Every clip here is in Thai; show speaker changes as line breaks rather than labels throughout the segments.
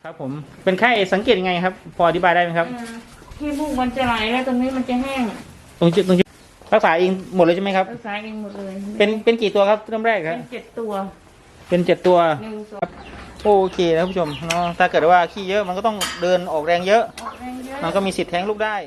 ครับผมเป็นไข้สังเกตยังไงครับพออธิบายได้ไหมครับ
ที่มูกมันจะไหลแล้วตรงนี้มันจะแห้ง
ตรงจุดรักษาเองหมดเลยใช่ไหมครับ
รักษาเองหมดเลย
เป็นกี่ตัวครับเริ่มแรกครับ
เป็น7 ตัว
เป็น7 ตัว
1 2
โอเคนะผู้ชมเนาะถ้าเกิดว่าขี้เยอะมันก็ต้องเดินออกแรงเยอะ
ออกแรงเยอะ
มันก็มีสิทธิ์แท้งลูกได้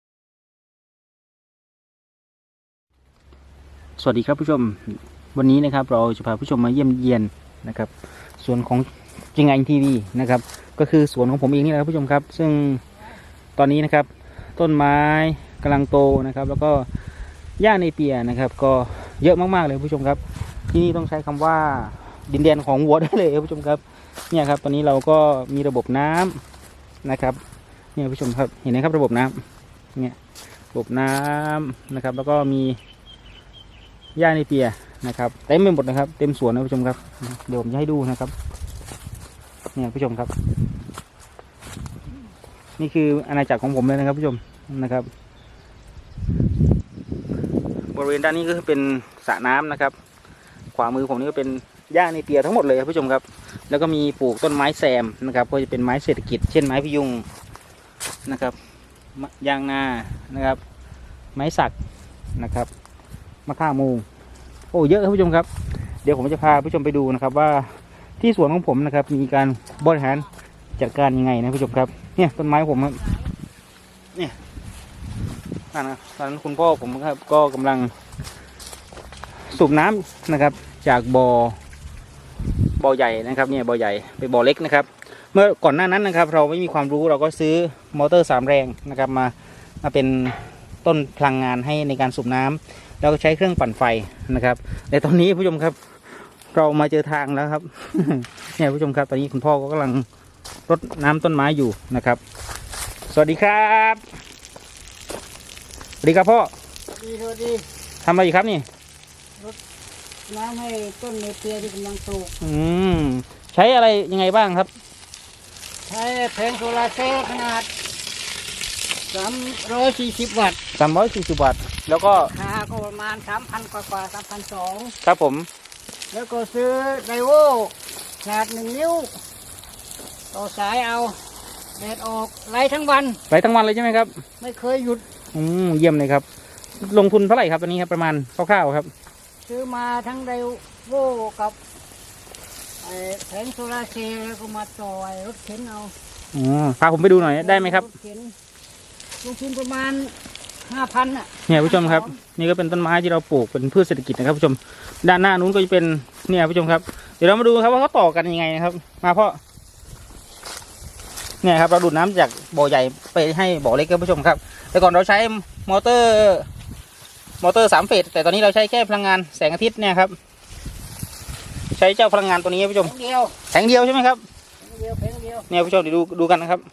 สวัสดีครับผู้ชมวันนี้นะครับเราจะพาผู้ชมมาเยี่ยมเยียนนะครับสวนของจิงไงทีวีนะครับก็คือสวนของผมเองนี่แหละครับผู้ชมครับซึ่งตอนนี้นะครับต้นไม้กำลังโตนะครับแล้วก็หญ้าเนเปียนะครับก็เยอะมากๆเลยผู้ชมครับที่นี่ต้องใช้คำว่าดินแดนของวัวได้เลยผู้ชมครับเนี่ยครับตอนนี้เราก็มีระบบน้ำนะครับเนี่ยผู้ชมครับเห็นไหมครับระบบน้ำเนี่ยระบบน้ำนะครับแล้วก็มีหญ้าเนเปียนะครับเต็มไปหมดนะครับเต็มสวนนะผู้ชมครับเดี๋ยวผมจะให้ดูนะครับเนี่ยผู้ชมครับนี่คืออาณาจักรของผมเลยนะครับผู้ชมนะครับบริเวณด้านนี้ก็เป็นสระน้ำนะครับขวามือผมนี่ก็เป็นหญ้าเนเปียทั้งหมดเลยครับผู้ชมครับแล้วก็มีปลูกต้นไม้แซมนะครับก็จะเป็นไม้เศรษฐกิจเช่นไม้พยุงนะครับยางนานะครับไม้สักนะครับมะข่ามูโอ้เยอะครับผู้ชมครับเดี๋ยวผมจะพาผู้ชมไปดูนะครับว่าที่สวนของผมนะครับมีการบริหารจัดการยังไงนะผู้ชมครับเนี่ยต้นไม้ผมเนี่ยตอนนั้นคุณพ่อผมครับก็กำลังสูบน้ำนะครับจากบ่อใหญ่นะครับเนี่ยบ่อใหญ่ไปบ่อเล็กนะครับเมื่อก่อนหน้านั้นนะครับเราไม่มีความรู้เราก็ซื้อมอเตอร์3 แรงนะครับมาเป็นต้นพลังงานให้ในการสูบน้ำแล้วก็ใช้เครื่องปั่นไฟนะครับแต่ตอนนี้ผู้ชมครับเรามาเจอทางแล้วครับ เนี่ยผู้ชมครับตอนนี้คุณพ่อก็กำลังรดน้ำต้นไม้อยู่นะครับสวัสดีครับสวัสดีครับพ่อ
สวัสดี
ทำอะไรอยู่ครับนี่
รดน้ำให้ต้นเนเปียที่กำลังโต
ใช้อะไรยังไงบ้างครับ
ใช้แผงโซลาร์เซลล์ขนาด340 วัตต์
340 วัตต์แล้วก็
ราคาก็ประมาณ 3,000 กว่า 3,200
ครับผม
แล้วก็ซื้อไดโวขนาด1 นิ้วต่อสายเอาแดดออกไล่ทั้งวัน
เลยใช่ไหมครับ
ไม่เคยหยุด
เยี่ยมเลยครับลงทุนเท่าไหร่ครับตอนนี้ครับประมาณคร่าวๆครับ
ซื้อมาทั้งไดโวกับแผงโซลาร์เซลล์แล้วก็มาต่อยรถเข็นเอา
พาผมไปดูหน่อยได้ไหมครับ
ลงทุนประมาณ 5,000อ่ะ
เนี่ยผู้ชมครับนี่ก็เป็นต้นไม้ที่เราปลูกเป็นพืชเศรษฐกิจนะครับผู้ชมด้านหน้านู้นก็จะเป็นเนี่ยผู้ชมครับเดี๋ยวเรามาดูครับว่าเขาต่อกันยังไงนะครับมาพ่อเนี่ยครับเราดูดน้ำจากบ่อใหญ่ไปให้บ่อเล็กครับผู้ชมครับแต่ก่อนเราใช้มอเตอร์3 เฟสแต่ตอนนี้เราใช้แค่พลังงานแสงอาทิตย์เนี่ยครับใช้เจ้าพลังงานตัวนี้ผู้ชมแผงเดียวใช่ไหมครับ
แผงเดียว
เนี่ยผู้ชมเดี๋ยวดูกันนะครับ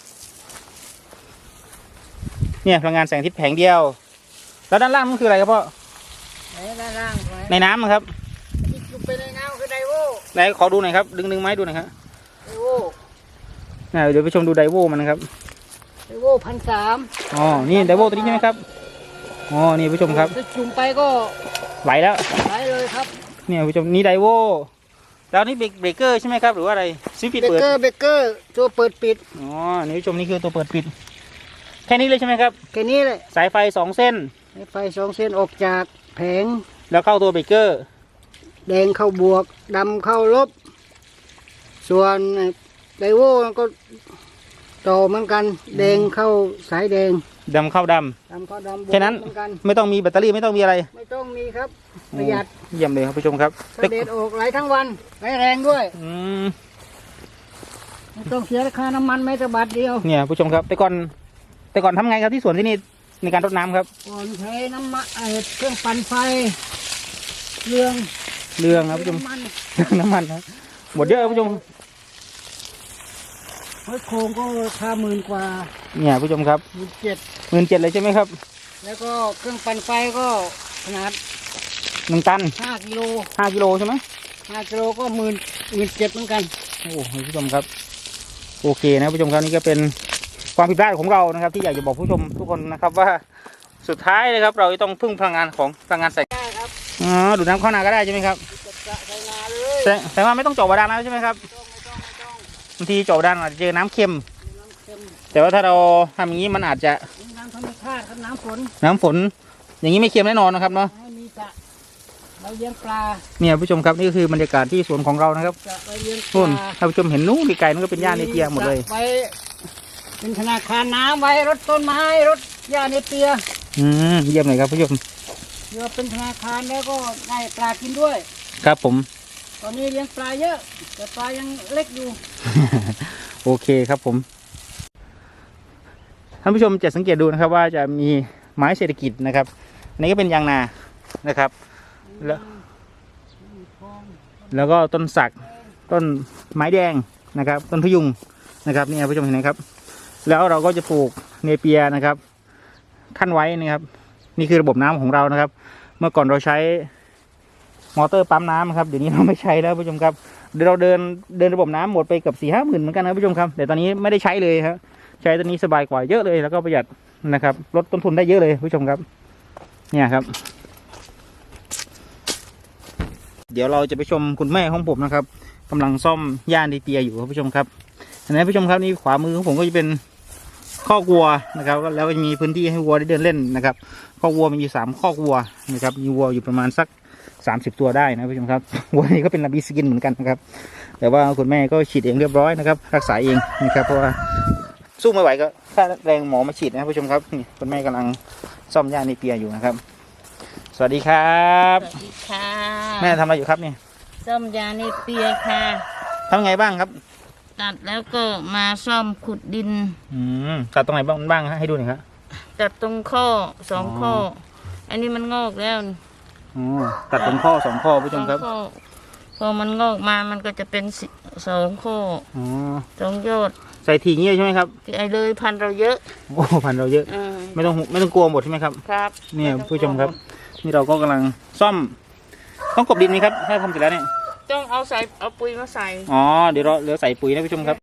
เนี่ยพลังงานแสงอาทิตย์แผงเดียวแล้วด้านล่างมันคืออะไรครับพ่อ
ด้านล่าง
ในน้ำนะครับ
ที่ไปในน้ำคือไดโว
ไหนขอดูหน่อยครับดึงไม้ดูหน่อยครับ
ไดโว
เดี๋ยวไปชมดูไดโวมันนะครับ
ไดโว1,300
อ๋อนี่ไดโวตัวนี้ใช่ไหมครับอ๋อนี่ผู้ชมครับ
จุ่มไปก็
ไหลแล้ว
ไหลเลยครับ
เนี่ยผู้ชมนี่ไดโวแล้วนี่เบรกเกอร์ใช่ไหมครับหรือว่าอะไรซิปิดเปิด
เบรกเกอร์ตัวเปิดปิด
อ๋อนี่ผู้ชมนี่คือตัวเปิดปิดแค่นี้เลยใช่ไหมครับ
แค่นี้เลย
สายไฟ2 เส้น
สายไฟ2 เส้นออกจากแผง
แล้วเข้าตัวเบรกเกอร์
แดงเข้าบวกดำเข้าลบส่วนไดโวก็ต่อเหมือนกันแดงเข้าสายแดง
ดำเข้าดำแค่นั้นไม่ต้องมีแบตเตอรี่ไม่ต้องมีอะไร
ไม่ต้องมีครับประหยัด
เยี่ยมเลยครับผู้ชมครับ
เด็ดออกไหลทั้งวันไหลแรงด้วยไม่ต้องเสียราคาน้ำมันแม้แต่บาทเดียว
เนี่ยผู้ชมครับแต่ก่อนทำไงครับที่สวนที่นี่ในการรดน้ำครับ
ก่อนใช้น้ำมันเครื่องปั่นไฟเรื
องครับผู้ชมน้ำมันครับหมดเยอะผู้ชม
โครงก็ราคา10,000 กว่า
เนี่ยผู้ชมครับ17,000เลยใช่ไหมครับ
แล้วก็เครื่องปั่นไฟก็ขนาด
1 ตัน
5 กิโล
ใช่ไหม
5 กิโลก็17,000เหมือนกัน
โอ้ผู้ชมครับโอเคนะผู้ชมครับนี่ก็เป็นความผิดพลาดของเรานะครับที่อยากจะบอกผู้ชมทุกคนนะครับว่าสุดท้ายเลยครับเราต้องพึ่งพลังงานของพลังงานแสง
ได้ครับ
ดูดน้ำเข้านาก็ได้ใช่ไหมครับ
ใช้นาเลย
แต่ว่าไม่ต้องเจาะบาดาลแล้วใช่ไหมครับ
ไม่ต้อง
บางทีเจาะด้านอาจจะเจอน้ำเค็ม
น้ำเค็ม
แต่ว่าถ้าเราทำอย่างนี้มันอาจจะ
น้ำธรรมชาติครับน้ำฝน
น้ำฝน อย่างนี้ไม่เค็มแน่นอนนะครับเนาะ
ให้มีจะเราเลี้ยงปลา
เนี่ยผู้ชมครับนี่ก็คือบรรยากาศที่สวนของเรานะครับ
จะไปเลี้ยงป
นู่น
ลา
ถ้าผู้ชมเห็นนู้นไกลๆนั่นก็เป็นหญ้าในเปียหมดเลย
ไว้เป็นธนาคารน้ำไว้รถต้นไม้รถหญ้าในเปีย
เยี่ยมเลยครับผู้ชม
เดี๋ยวเป็นธนาคารแล้วก็ได้ปลากินด้วย
ครับผม
ตอนนี้เลี้ยงปลาเยอะ แต่ปลายังเล็กอยู่
โอเคครับผมท่านผู้ชมจะสังเกตดูนะครับว่าจะมีไม้เศรษฐกิจนะครับอันนี้ก็เป็นยางนานะครับ แล้วก็ต้นสักต้นไม้แดงนะครับ ต้นพยุงนะครับนี่ผู้ชมเห็นไหมครับ แล้วเราก็จะปลูกเนเปียนะครับขั้นไว้นะครับ นี่คือระบบน้ำของเรานะครับ เมื่อก่อนเราใช้มอเตอร์ปั๊มน้ำครับเดี๋ยวนี้เราไม่ใช้แล้วผู้ชมครับเดี๋ยวเราเดินระบบน้ำหมดไปเกือบ4-5 หมื่นเหมือนกันนะผู้ชมครับแต่ตอนนี้ไม่ได้ใช้เลยครับใช้ตัวนี้สบายกว่าเยอะเลยแล้วก็ประหยัดนะครับลดต้นทุนได้เยอะเลยผู้ชมครับเนี่ยครับ เดี๋ยวเราจะไปชมคุณแม่ของผมนะครับกำลังซ่อมย่านดีเปียอยู่ครับผู้ชมครับเห็นไหมผู้ชมครับนี่ขวามือของผมก็จะเป็นคอกวัวนะครับแล้วก็มีพื้นที่ให้วัวได้เดินเล่นนะครับคอกวัวมีอยู่3 คอกวัวนะครับมีวัวอยู่ประมาณสัก30 ตัวได้นะผู้ชมครับวัวนี้ก็เป็นลาบิสกินเหมือนกันนะครับแต่ว่าคุณแม่ก็ฉีดเองเรียบร้อยนะครับรักษาเองนะครับเพราะว่าสู้ไม่ไหวก็ค่าแรงหมอมาฉีดนะผู้ชมครับนี่คุณแม่กำลังซ่อมย่านดีเปียอยู่นะครับสวัสดีครับ
สวัสดีค่ะ
แม่ทำอะไรอยู่ครับเนี่ย
ซ่อมยาในเปียค่ะ
ทำไงบ้างครับ
ตัดแล้วก็มาซ่อมขุดดิน
ตัดตรงไหนบ้างให้ดูหน่อยครับ
ตัดตรงข้อ2 ข้อ อันนี้มันงอกแล้ว
ตัดตรงข้อ2 ข้อผู้ชมครับ
ข้อพอมันงอกมามันก็จะเป็น2 ข้อ
อ๋อ
2 ยอด
ใส่ทีงี้ใช่ไหมครับ
ไอ้เลยพันธุ์เราเยอะ
โอ้พันเราเยอะ
อืม
ไม่ต้องกลัวหมดใช่ไหมครับ
ครับ
เนี่ย
ไต้อง
ผู้ชมครับ นี่เราก็กำลังซ่อมต้องกบดินไหมครับถ้าทำเสร็จแล้วเนี่ย
ต้องเอาปุ๋ยมาใส่
อ๋อเดี๋ยวเราใส่ปุ๋ยนะผู้ชมครับ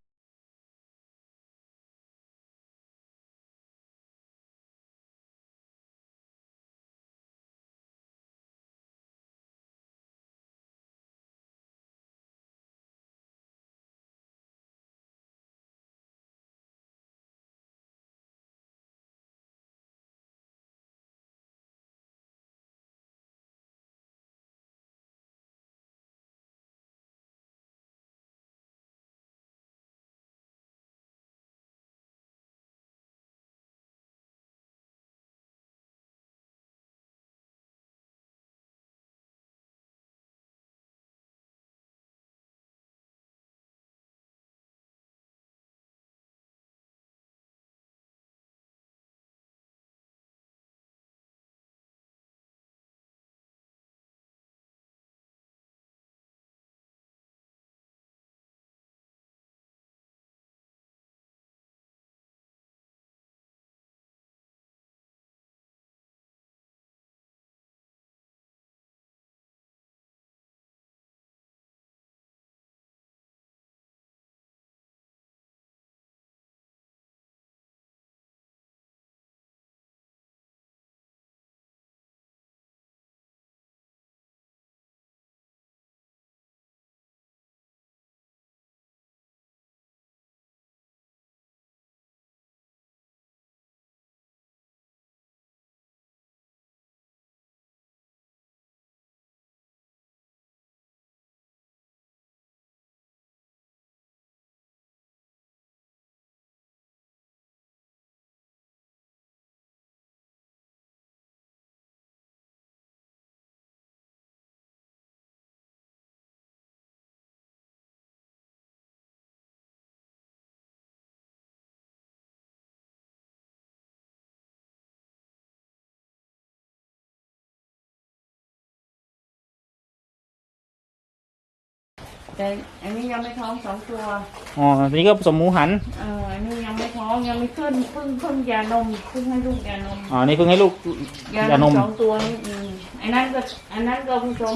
แต่อันนี้ยังไม่ท้อง2 ตัว
อ๋อตัวนี้ก็ผสมหมูหัน
อันนี้ยังไม่ท้องยังไม่ขึ้นเพิ่งยานมเพิ่งให้ลูกยานม
อ๋อนี่เพิ่งให้ลูกยานม
2 ตัวนี่อันนั้นก็ผสม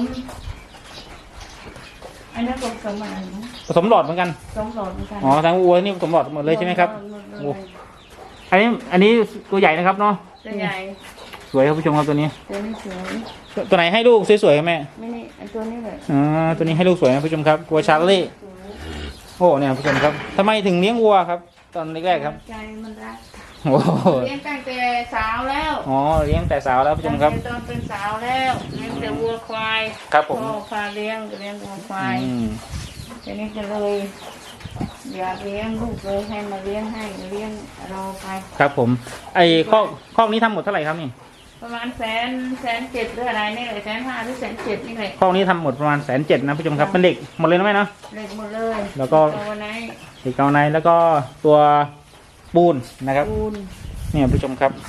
อันนั้นก็ผสมอะไรนะ
ผสมหลอดเหมือนกัน
2 หลอดเหมือนกัน
อ๋อทั้งวัวนี่ผสมหลอดหมดเลยใช่ไหมครับ
หมดเลย
โอ้ อันนี้ตัวใหญ่นะครับเนาะ
ตัวใหญ่
สวยครับผู้ชมครับตัวนี้
ตัวนี้สวย
ตัวไหนให้ลูกสวยๆครับแม่
ไม่นี่อันตัวนี้เลย
อ๋อตัวนี้ให้ลูกสวยนะผู้ชมครับวัวชาร์เล่โอ้เนี่ยผู้ชมครับทำไมถึงเลี้ยงวัวครับ ตอนแรกๆครับ
ใจมันรัก
โอ้โห
เลี้ยงตั้งแต่สาวแล้ว
อ๋อเลี้ยงแต่สาวแล้วผู้ชมครับ
ตั้งแต่ตอนเป็นสาวแล้วเลี้ยงแต่วัวควาย
ครับผม
พ่อพาเลี้ยงก็เลี้ยงวัวควาย
อืม
ทีนี้ก็เลยอยากเลี้ยงลูกเลยให้มาเลี้ยงให้เลี้ยงเราไป
ครับผมไอ้คอกนี้ทำหมดเท่าไหร่ครับนี่
ประมาณแสนเจ็ดหรืออะไรนี่เลย150,000 หรือ170,000นี่เลย
คอกนี้ทำหมดประมาณ170,000นะผู้ชมครับเป็นเด็กหมดเลยนะแม่เนาะ
เล็กหมดเลย
แล้วก็
ตัวไหน
เด็กเกาในแล้วก็ตัวปูนนะครับ
ปูน
เนี่ยผู้ชมครับ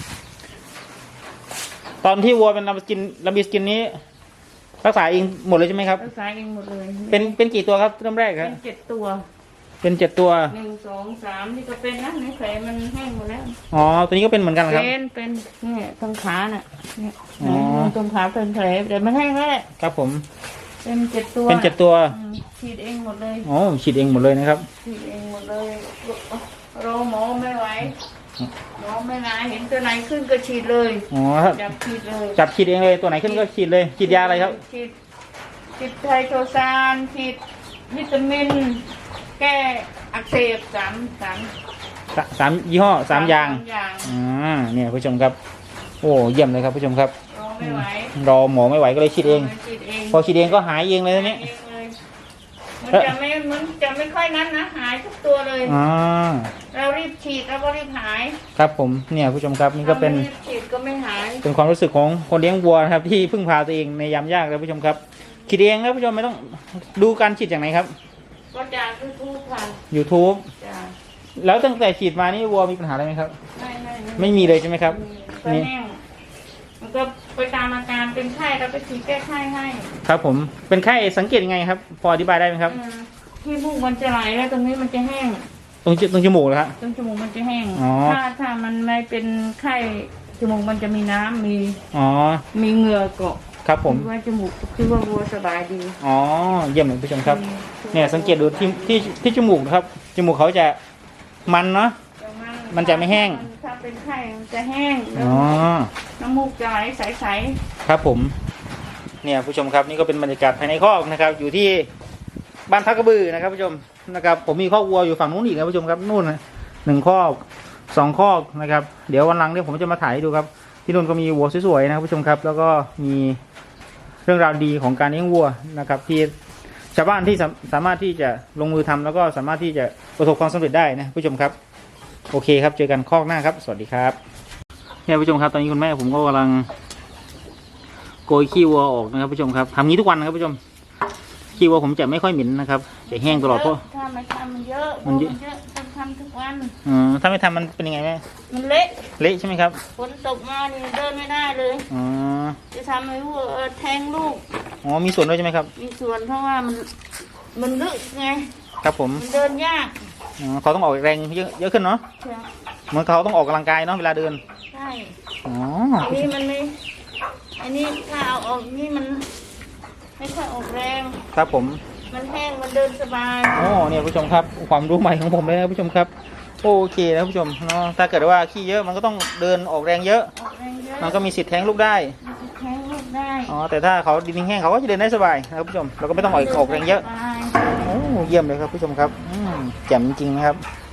ตอนที่วัวเป็นลาบิสกินนี้รักษาเองหมดเลยใช่ไหมครับ
รักษาเองหมดเลย
เป็นกี่ตัวครับเริ่มแรกค
เป็
รับ
น7 ตัว
เป็น7 ตัว
1 2 3นี่ก็เป็นนะในแผลมันแห้งหมดแล้ว
อ๋อตัวนี้ก็เป็นเหมือนกันเหรอครับ
เป็นเนี่ยตรงขาน่ะเนี่ย
อ๋อ
ตรงขาเป็นแผลแต่มันแห้งแล้วแหละ
ครับผม
เป็น7 ตัว
เป็น7 ตัว
ฉีดเองหมดเลย
อ๋อฉีดเองหมดเลยนะครับ
ฉีดเองหมดเลยรอหมอไม่ไหวหมอไม่มาเห็นตัวไหนขึ้นก็ฉีดเลย
อ๋อครับ
จับฉีดเลย
จับฉีดเองเลยตัวไหนขึ้นก็ฉีดเลยฉีดยาอะไรครับ
ฉีดไทโทซานฉีดวิตามิน แก้อักเสบสาม
ยี่ห้อ3 อย่าง
อย่าง
เนี่ยผู้ชมครับ โอ้เยี่ยมเลยครับผู้ชมครับ
รอไม่ไหว
รอหมอไม่ไหวก็เลยฉีดเอง
ฉีดเอง
พอฉีดเองก็หายเองเลยทีนี้
หายเองเลยมันจะไม่ค่อยนั้นนะหายทุกตัวเลย
อ๋อ
เรารีบฉีดแล้วก็รีบหาย
ครับผมเนี่ยผู้ชมครับนี่ก็เป็น
ถ้าไม่รีบฉีดก็ไม่หาย
เป็นความรู้สึกของคนเลี้ยงวัวนะครับที่พึ่งพาตัวเองในยามยากนะผู้ชมครับฉีดเองนะผู้ชมไม่ต้องดูการฉีดอย่างไหนครับ
ก็จากยูทูบค่ะ
YouTube
จ้ะ
แล้วตั้งแต่ฉีดมานี่วัวมีปัญหาอะไรไหมครับ ไม่มีเลยใช่ไหมครับ
ก็แห้งมันก็ไปตามอาการเป็นไข้เราไปฉีดแก้ไข้ให้
ครับผมเป็นไข้สังเกตยังไงครับ พออธิบายได้ไหมครับ
ที่มูกมันจะไหลแล้วตรงนี้มันจะแห้ง
ตรงจมูกเหรอครับ
ตรงจมูกมันจะแห้ง
อ๋อ
ถ้ามันไม่เป็นไข้จมูกมันจะมีน้ำมี
อ๋อ
มีเหงื่อเกาะ
ครับผม
คิดว่าจมูกคิดว่าวัวสบายดี
อ๋อเยี่ยมเลยผู้ชมครับเนี่ยสังเกตดูที่จมูกนะครับจมูกเขาจะมันเนาะ มันจะไม่แห้ง
ถ้าเป็นไข้มันจะแห้งแล้ว
อ๋อ
น้ำมูกจะไหลใส
ครับผมเนี่ยผู้ชมครับนี่ก็เป็นบรรยากาศภายในคอกนะครับ อยู่ที่บ้านทักกระบือนะครับผู้ชมนะครับ ผมมีคอกวัวอยู่ฝั่งนู้นอีกนะผู้ชมครับนู่นนะ1 คอก2 คอกนะครับ เดี๋ยววันหลังเนี่ยผมจะมาถ่ายให้ดูครับที่นู่นก็มีวัวสวยๆนะครับผู้ชมครับ แล้วก็มีเรื่องราวดีของการเลี้ยงวัวนะครับ ที่ชาวบ้านที่สามารถที่จะลงมือทำแล้วก็สามารถที่จะประสบความสำเร็จได้นะผู้ชมครับโอเคครับเจอกันคอกหน้าครับสวัสดีครับเนี่ยผู้ชมครับตอนนี้คุณแม่ผมก็กำลังโกยขี้วัวออกนะครับผู้ชมครับทำงี้ทุกวันนะครับผู้ชมขี้วัวผมจะไม่ค่อยเหม็นนะครับจะแห้งตลอดเพราะ
ถ้าไม่ทำมันเยอะ
มันเยอะ
ต้องทำทุกวัน
ถ้าไม่ทำมันเป็นยังไงแม่
มันเละ
เละใช่ไหมครับ
ฝนตกมานี่เดินไม่ได้เลย
อ๋อ
จะทำให้วัวแทงลูก
อ๋อมีส่วนด้วยใช่ไหมครับ
มีส่วนเพราะว่ามันลึกไง
ครับผม
มันเดินยาก
อ๋อเขาต้องออกแรงเยอะขึ้นเนาะ
ใช่
เหมือนเขาต้องออกกำลังกายเนาะเวลาเดิน
ใช่
อ๋อ
อันนี้มันไม่อันนี้ถ้าเอาออกนี่มันไม่ค่อยออกแรง
ครับผม
มันแห้งมันเดินสบาย
โอ้เนี่ยผู้ชมครับความรู้ใหม่ของผมเลยนะผู้ชมครับโอเคนะผู้ชมเนาะถ้าเกิดว่าขี้เยอะมันก็ต้องเดินออกแรงเยอะ
ออกแรงเยอะ
มันก็มีสิทธิ์แท้งลูกได้
แทงลูกได้
อ๋อแต่ถ้าเขาดินแห้งเขาก็จะเดินได้สบายนะครับผู้ชมเราก็ไม่ต้องออกแรงเยอะ
สบาย
โอ้เยี่ยมเลยครับผู้ชมครับแจ่มจริงๆนะครับ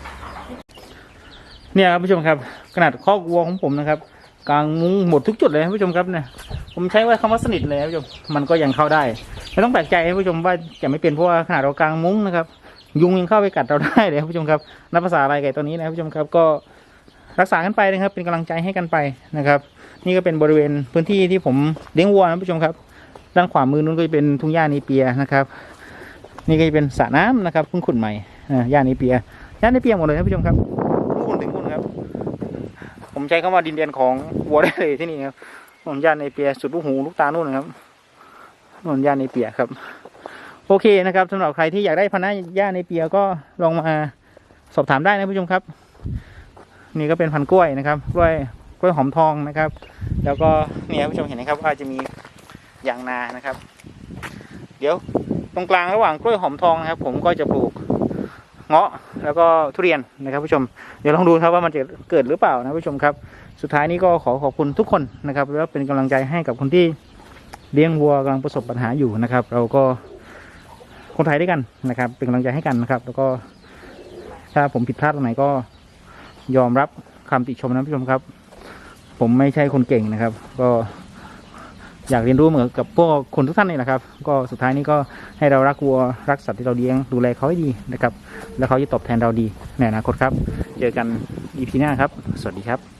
เนี่ยครับผู้ชมครับขนาดคอกวัวของผมนะครับกลางมุ้งหมดทุกจุดเลยนะผู้ชมครับเนี่ยผมใช้ว่าคำว่าสนิทเลยนะผู้ชมมันก็ยังเข้าได้ไม่ต้องแปลกใจนะผู้ชมว่าจะไม่เป็นเพราะว่าขนาดเรากลางมุ้งนะครับยุงยังเข้าไปกัดเราได้เลยครับผู้ชมครับนับภาษาอะไรไก่ตัวนี้นะผู้ชมครับก็รักษากันไปนะครับเป็นกำลังใจให้กันไปนะครับนี่ก็เป็นบริเวณพื้นที่ที่ผมเลี้ยงวัวนะผู้ชมครับด้านขวามือนู้นก็จะเป็นทุ่งหญ้าเนเปียนะครับนี่ก็จะเป็นสระน้ำนะครับเพิ่งขุดใหม่หญ้าเนเปียหมดเลยนะผู้ชมครับนู่นถึงนู่นครับผมใช้คำว่าดินแดนของวัวได้เลยที่นี่ครับหญ้าเนเปียสุดลูกหูลูกตานู่นนะครับหญ้าเนเปียครับโอเคนะครับสำหรับใครที่อยากได้พันธุ์หญ้าเนเปียก็ลองมาสอบถามได้นะผู้ชมครับนี่ก็เป็นพันธุ์กล้วยนะครับกล้วยหอมทองนะครับแล้วก็เนี่ยผู้ชมเห็นนะครับว่าจะมียางนานะครับ เดี๋ยวตรงกลางระหว่างกล้วยหอมทองนะครับผมก็จะปลูกเงาะแล้วก็ทุเรียนนะครับผู้ชมเดี๋ยวลองดูครับว่ามันจะเกิดหรือเปล่านะผู้ชมครับสุดท้ายนี้ก็ขอบคุณทุกคนนะครับแล้วเป็นกำลังใจให้กับคนที่เลี้ยงวัวกำลังประสบปัญหาอยู่นะครับเราก็คนไทยด้วยกันนะครับ เป็นกำลังใจให้กันนะครับ แล้วก็ถ้าผมผิดพลาดตรงไหนก็ยอมรับคำติชมนะผู้ชมครับ ผมไม่ใช่คนเก่งนะครับ ก็อยากเรียนรู้เหมือนกับพวกคนทุกท่านนี่แหละครับ ก็สุดท้ายนี้ก็ให้เรารักวัวรักสัตว์ที่เราเลี้ยงดูแลเขาให้ดีนะครับ แล้วเขาจะตอบแทนเราดีในอนาคตครับ เจอกัน EP หน้าครับ สวัสดีครับ